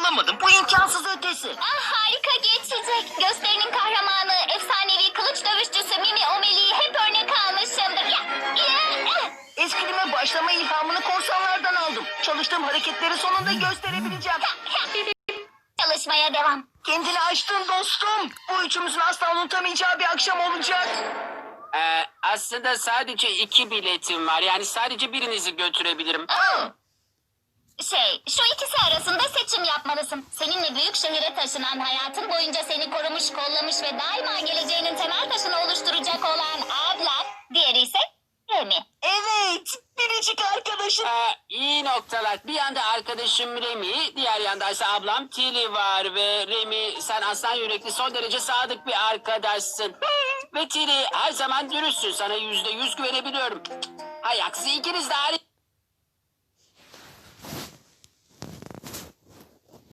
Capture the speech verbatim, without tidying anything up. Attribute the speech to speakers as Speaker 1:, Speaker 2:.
Speaker 1: alamadım. Bu imkansız ötesi.
Speaker 2: Ah, harika geçecek. Gösterinin kahramanı, efsanevi kılıç dövüşçüsü Mimi Omeli'yi hep örnek almışımdır. Ya, ya,
Speaker 1: Eskrime başlama ilhamını korsanlardan aldım. Çalıştığım hareketleri sonunda gösterebileceğim.
Speaker 2: Çalışmaya devam.
Speaker 1: Kendini aştın dostum. Bu üçümüzün asla unutamayacağı bir akşam olacak.
Speaker 3: Ee, aslında sadece iki biletim var. Yani sadece birinizi götürebilirim.
Speaker 2: Oh. Şey, şu ikisi arasında seçim yapmalısın. Seninle büyük şehire taşınan, hayatın boyunca seni korumuş, kollamış ve daima geleceğinin temel taşını oluşturacak olan ablan. Diğeri ise Remi.
Speaker 1: Evet. Biricik arkadaşım.
Speaker 3: Ee, iyi noktalar. Bir yanda arkadaşım Remi, diğer yanda ise ablam Tilly var ve Remi sen aslan yürekli son derece sadık bir arkadaşsın. Ve Tilly her zaman dürüstsün. Sana yüzde yüz güvenebiliyorum. Hay aksi ikiniz de harika.